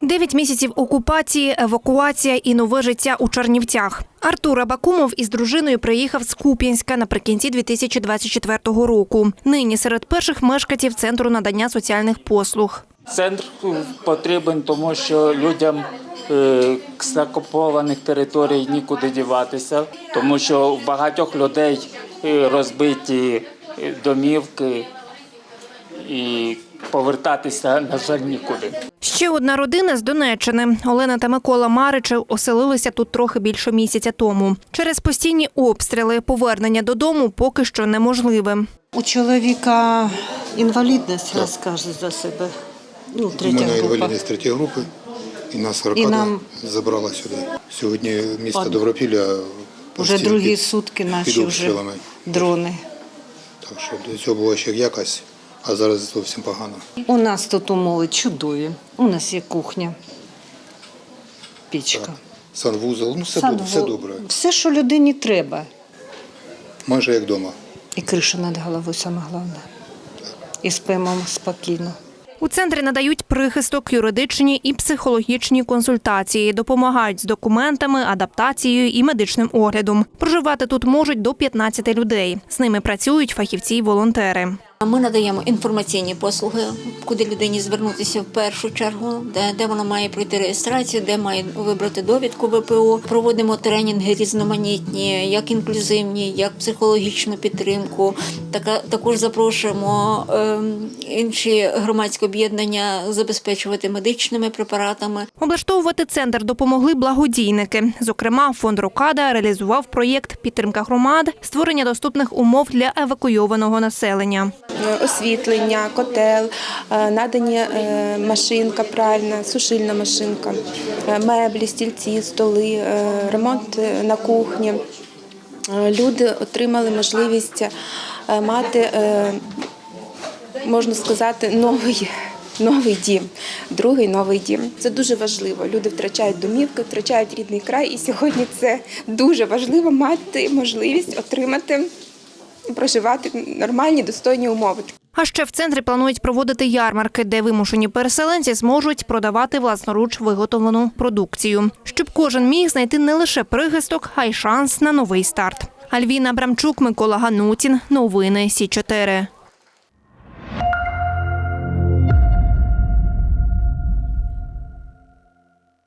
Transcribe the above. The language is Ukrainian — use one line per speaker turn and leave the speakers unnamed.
9 місяців окупації, евакуація і нове життя у Чернівцях. Артур Абакумов із дружиною приїхав з Куп'янська наприкінці 2024 року. Нині серед перших мешканців Центру надання соціальних послуг.
Центр потрібен, тому що людям з окупованих територій нікуди діватися, тому що в багатьох людей розбиті домівки і повертатися, на жаль, нікуди.
Ще одна родина з Донеччини. Олена та Микола Маричев оселилися тут трохи більше місяця тому. Через постійні обстріли повернення додому поки що неможливе.
У чоловіка інвалідність, розкаже за себе.
У мене інвалідність 3 групи, і нас Аркада забрала сюди. Сьогодні місто Добропілля
вже другі сутки наші вже дрони.
Так що до цього було ще якось, а зараз зовсім погано.
У нас тут умови чудові. У нас є кухня, пічка.
Так. Санвузол, все добре.
Все, що людині треба.
Майже як вдома.
І криша над головою, саме головне. І спимо спокійно.
У центрі надають прихисток, юридичні і психологічні консультації, допомагають з документами, адаптацією і медичним оглядом. Проживати тут можуть до 15 людей. З ними працюють фахівці й волонтери.
Ми надаємо інформаційні послуги, куди людині звернутися в першу чергу, де вона має пройти реєстрацію, де має вибрати довідку ВПО. Проводимо тренінги різноманітні, як інклюзивні, як психологічну підтримку. Також запрошуємо інші громадські об'єднання забезпечувати медичними препаратами.
Облаштовувати центр допомогли благодійники. Зокрема, фонд «Рокада» реалізував проєкт «Підтримка громад», створення доступних умов для евакуйованого населення.
Освітлення, котел, надані машинка пральна, сушильна машинка, меблі, стільці, столи, ремонт на кухні. Люди отримали можливість мати, можна сказати, новий дім, другий новий дім. Це дуже важливо. Люди втрачають домівки, втрачають рідний край, і сьогодні це дуже важливо мати можливість отримати, проживати нормальні, достойні умови.
А ще в центрі планують проводити ярмарки, де вимушені переселенці зможуть продавати власноруч виготовлену продукцію. Щоб кожен міг знайти не лише прихисток, а й шанс на новий старт. Альвіна Абрамчук, Микола Ганутін. Новини Сі 4.